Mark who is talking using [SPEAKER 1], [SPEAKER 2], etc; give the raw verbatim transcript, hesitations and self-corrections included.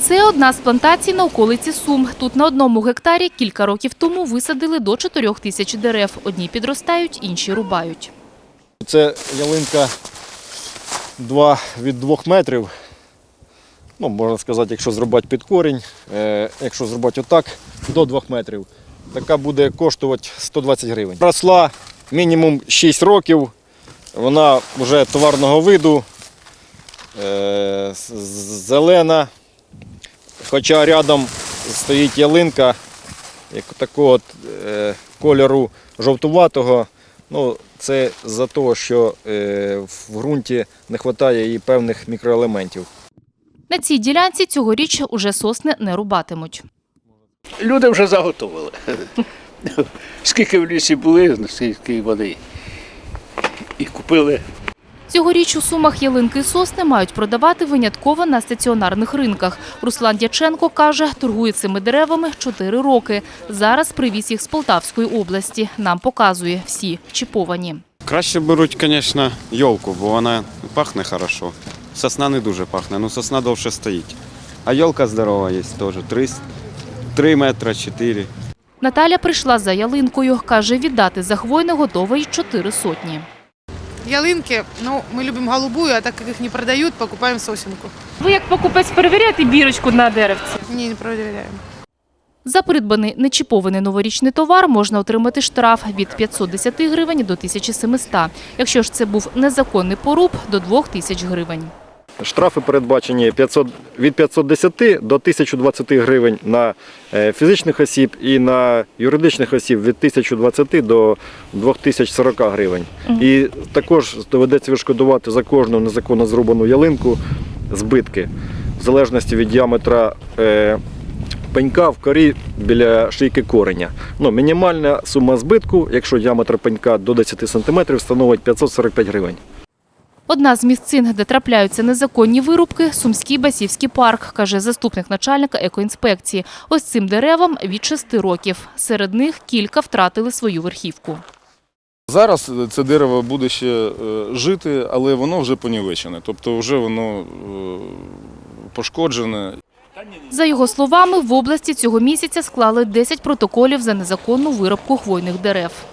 [SPEAKER 1] Це одна з плантацій на околиці Сум. Тут на одному гектарі кілька років тому висадили до чотирьох тисяч дерев. Одні підростають, інші рубають.
[SPEAKER 2] Це ялинка два від двох метрів. Ну, можна сказати, якщо зрубати під корінь, е, якщо зрубати отак, до двох метрів. Така буде коштувати сто двадцять гривень. Росла мінімум шість років, вона вже товарного виду, е, зелена. Хоча рядом стоїть ялинка як такого от, е, кольору жовтуватого. Ну, це за те, що е, в ґрунті не вистачає і певних мікроелементів.
[SPEAKER 1] На цій ділянці цьогоріч уже сосни не рубатимуть.
[SPEAKER 3] Люди вже заготовили. Скільки в лісі були, скільки води. І купили.
[SPEAKER 1] Цьогоріч у Сумах ялинки і сосни мають продавати винятково на стаціонарних ринках. Руслан Дяченко каже, торгує цими деревами чотири роки. Зараз привіз їх з Полтавської області. Нам показує, всі чіповані.
[SPEAKER 4] Краще беруть, звісно, йолку, бо вона пахне хорошо. Сосна не дуже пахне, але сосна довше стоїть. А йолка здорова є теж, три метри, чотири.
[SPEAKER 1] Наталя прийшла за ялинкою. Каже, віддати за хвойне готова й чотири сотні.
[SPEAKER 5] Ялинки, ну, мы любим голубую, а так как их не продают, покупаем сосенку.
[SPEAKER 1] Ви як покупець перевіряєте бірочку на деревці?
[SPEAKER 5] Не, не проверяем.
[SPEAKER 1] За придбаний нечіпований новорічний товар можна отримати штраф від п'ятсот десяти гривень до тисячі семисот. Якщо ж це був незаконний поруб – до двох тисяч гривень.
[SPEAKER 2] Штрафи передбачені п'ятсот, від п'ятсот десяти до тисячі двадцяти гривень на фізичних осіб і на юридичних осіб від тисячі двадцяти до двох тисяч сорока гривень. І також доведеться відшкодувати за кожну незаконно зрубану ялинку збитки в залежності від діаметра е, пенька в корі біля шийки кореня. Ну, мінімальна сума збитку, якщо діаметр пенька до десяти сантиметрів, становить п'ятсот сорок п'ять гривень.
[SPEAKER 1] Одна з місцин, де трапляються незаконні вирубки – Сумський Басівський парк, каже заступник начальника екоінспекції. Ось цим деревам від шести років. Серед них кілька втратили свою верхівку.
[SPEAKER 6] Зараз це дерево буде ще жити, але воно вже понівечене, тобто вже воно пошкоджене.
[SPEAKER 1] За його словами, в області цього місяця склали десять протоколів за незаконну вирубку хвойних дерев.